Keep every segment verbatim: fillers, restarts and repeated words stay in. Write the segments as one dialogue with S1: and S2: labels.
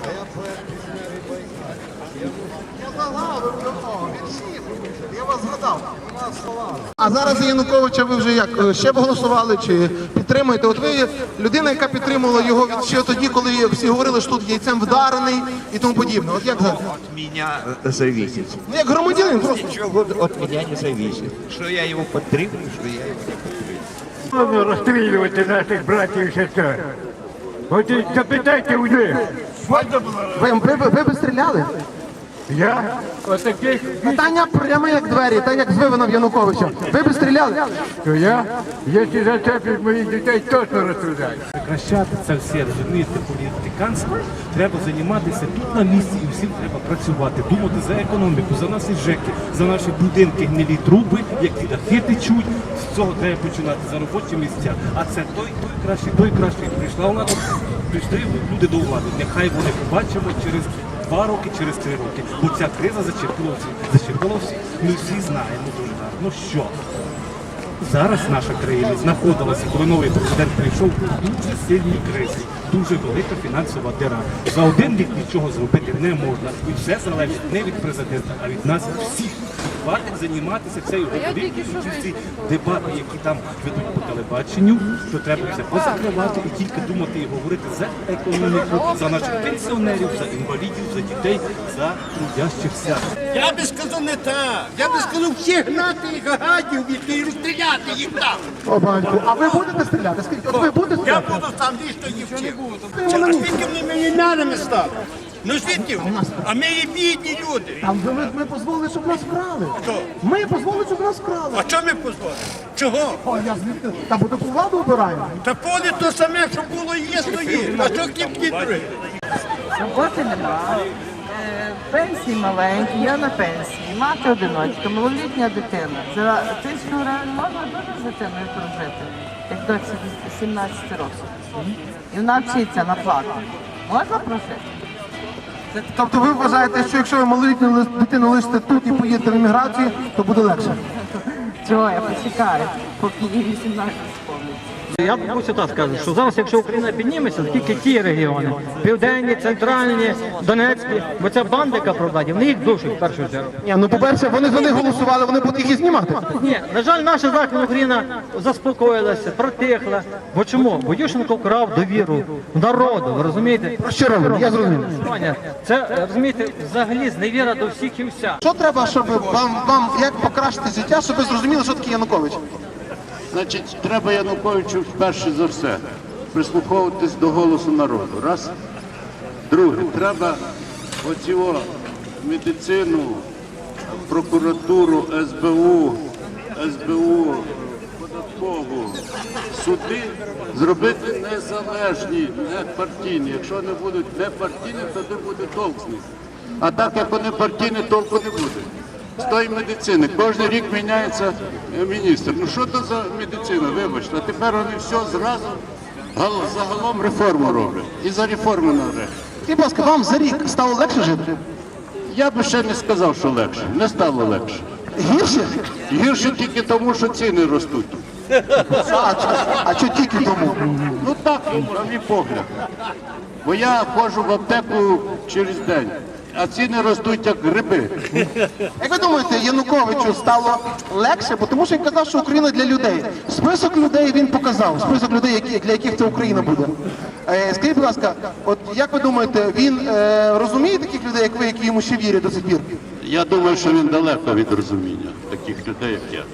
S1: Я вас згадав. А зараз за Януковича ви вже як, ще б голосували чи підтримуєте? От ви людина, яка підтримувала його ще тоді, коли всі говорили, що тут яйцем вдарений і тому подібне. От як зараз?
S2: От меня зависит.
S1: Ну як громадянин просто.
S2: Ничего от меня не зависит. Что я его подтримую, что я его не подтримую.
S3: Розстрілювати наших братів і сестер. От і запитайте у них.
S1: Ви, ви, ви, ви б стріляли?
S3: Я? Отаких,
S1: Питання прямо як двері, так як з вивином Януковича. Ви б стріляли?
S3: то я, якщо зачеплять моїх дітей, точно розстріляю.
S4: Прекращати це все, розумієте, політиканство. Треба займатися тут на місці і всім треба працювати, думати за економіку, за наші ЖЕКи, за наші будинки, гнилі труби, які дахи течуть. З цього треба починати, за робочі місця. А це той, той кращий, той кращий. Прийшла вона, прийшли люди до влади. Нехай вони побачимо через два роки, через три роки. Бо ця криза зачепила всіх. Зачепила всіх. Ми всі знаємо дуже гарно, що зараз наша країна знаходилася, коли новий президент прийшов, у дуже сильній кризі, дуже велика фінансова діра. За один рік нічого зробити не можна. І все залежить не від президента, а від нас всіх. Хватить займатися цією говорити, ці дебати, які там ведуть по телебаченню, що треба все позакривати і тільки думати і говорити за економіку, за наших пенсіонерів, за інвалідів, за дітей, за трудящихся.
S5: Я би сказав не так. Я би сказав всіх гнати їх гадів і розстріляти їх там.
S1: О, батько, а ви будете стріляти? Скажіть, от ви будете
S5: Я
S1: стріляти?
S5: буду там лічно їх всіх. А звідки вони мільйонерами стали? Ну звідки? А ми є бідні люди.
S1: Там ви, ми, ми дозволили, щоб нас вкрали.
S5: Хто?
S1: Ми дозволили, щоб нас вкрали.
S5: А чого ми позволили? Чого?
S1: О, я звідти. Та бо таку владу обираємо.
S5: Та поле то саме, що було і є, стоїть. А що кіпки другі?
S6: Роботи немає, е, пенсії маленькі, я на пенсії, мати одиночка, малолітня дитина. За тисячу гривень можна дуже з дитиною прожити, як дочці сімнадцять років. І вона вчиться на плату. Можна прожити?
S1: Тобто ви вважаєте, що якщо ви малолітню ли- дитину лишите тут і поїдете в еміграцію, то буде легше?
S6: Чого я почекаю, поки їй вісімнадцять сповниться.
S7: Я ось так скажу, що зараз, якщо Україна підніметься, то тільки ті регіони, південні, центральні, Донецькі, бо ця банда, яка про владі, вони їх душать в першу чергу.
S1: Ні, ну по-перше, вони за них голосували, вони будуть їх і знімати.
S7: Ні, на жаль, наша Західна Україна заспокоїлася, протихла. Бо чому? Бо Ющенко вкрав довіру народу, ви розумієте?
S1: Про що робимо? Я зрозумів.
S7: Ваня, це, розумієте, взагалі зневіра до всіх і вся.
S1: Що треба, щоб вам, вам як покращити життя, щоб ви зрозуміли, що таке Янукович?
S8: Значить, треба Януковичу перше за все прислуховуватись до голосу народу. Раз. Друге, треба оці о медицину, прокуратуру, ес бе у, ес бе у, податкову, суди зробити незалежні, не партійні. Якщо не будуть не партійні, то не буде толк з них. А так як вони партійні, толку не буде. З тої медицини. Кожен рік міняється міністр. Ну що це за медицина, вибачте. А тепер вони все зразу гал- загалом реформу роблять. І за реформу навряд.
S1: Скажіть, будь ласка, вам за рік стало легше жити?
S8: Я би ще не сказав, що легше. Не стало легше.
S1: Гірше?
S8: Гірше тільки тому, що ціни ростуть.
S1: А, чи- а що тільки тому?
S8: Ну так, на мій погляд. Бо я ходжу в аптеку через день, а ціни ростуть як гриби.
S1: Як ви думаєте, Януковичу стало легше? Бо тому що він казав, що Україна для людей. Список людей він показав, список людей, які, для яких це Україна буде. Е, скажіть, будь ласка, от як ви думаєте, він е, розуміє таких людей, як ви, які йому ще вірять до сих пір?
S8: Я думаю, що він далеко від розуміння таких людей, як я.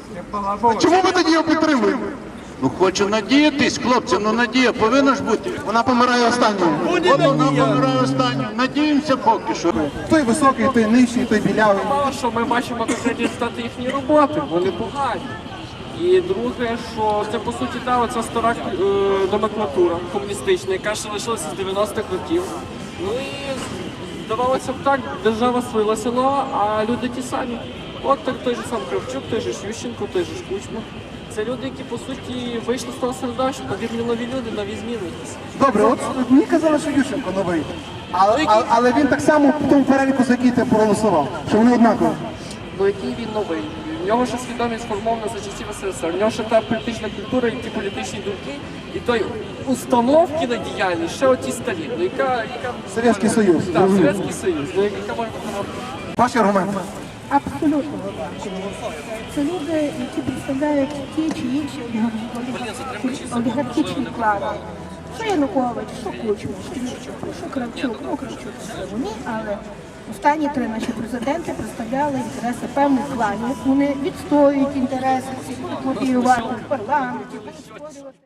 S1: Чому ви тоді його підтримуєте?
S8: Ну хочу надіятись, хлопці, ну надія повинна ж бути.
S1: Вона помирає останньою.
S8: От вона помирає останню. Надіємося поки що.
S1: Той високий, той нижчий, той білявий.
S9: Мало що ми бачимо конкретні результати їхньої роботи, вони погані. І друге, що це по суті та оця стара е, номенклатура комуністична, яка ще лишилася з дев'яностих років. Ну і здавалося б так, держава свила село, а люди ті самі. От так той же сам Кравчук, той же Ющенко, той же Кучма. Це люди, які по суті вийшли з того середовища, потрібні нові люди, нові зміни якісь.
S1: Добре, от мені казали, що Ющенко новий. Але, але, але він так само в тому переліку, за який ти проголосував, що вони однакові.
S9: Ну який він новий? В нього ще свідомість сформована за часів ес ес ес ер, в нього ще та політична культура і ті політичні думки, І той установки на діяльність ще оті старі. Ну, яка, яка...
S1: Совєтський Союз.
S9: Так, Совєтський Союз. Ну, яка може бути...
S1: Ваші аргументи.
S10: Абсолютно однаково. Це люди, які представляють ті чи інші олігархічні клани. Що Янукович, що Кучма, що Ющенко, що Кравчук, ну Кравчук це вони, але останні три наші президенти представляли інтереси певних кланів. Вони відстоюють інтереси, всі будуть лобіювати в парламенті, будуть створювати.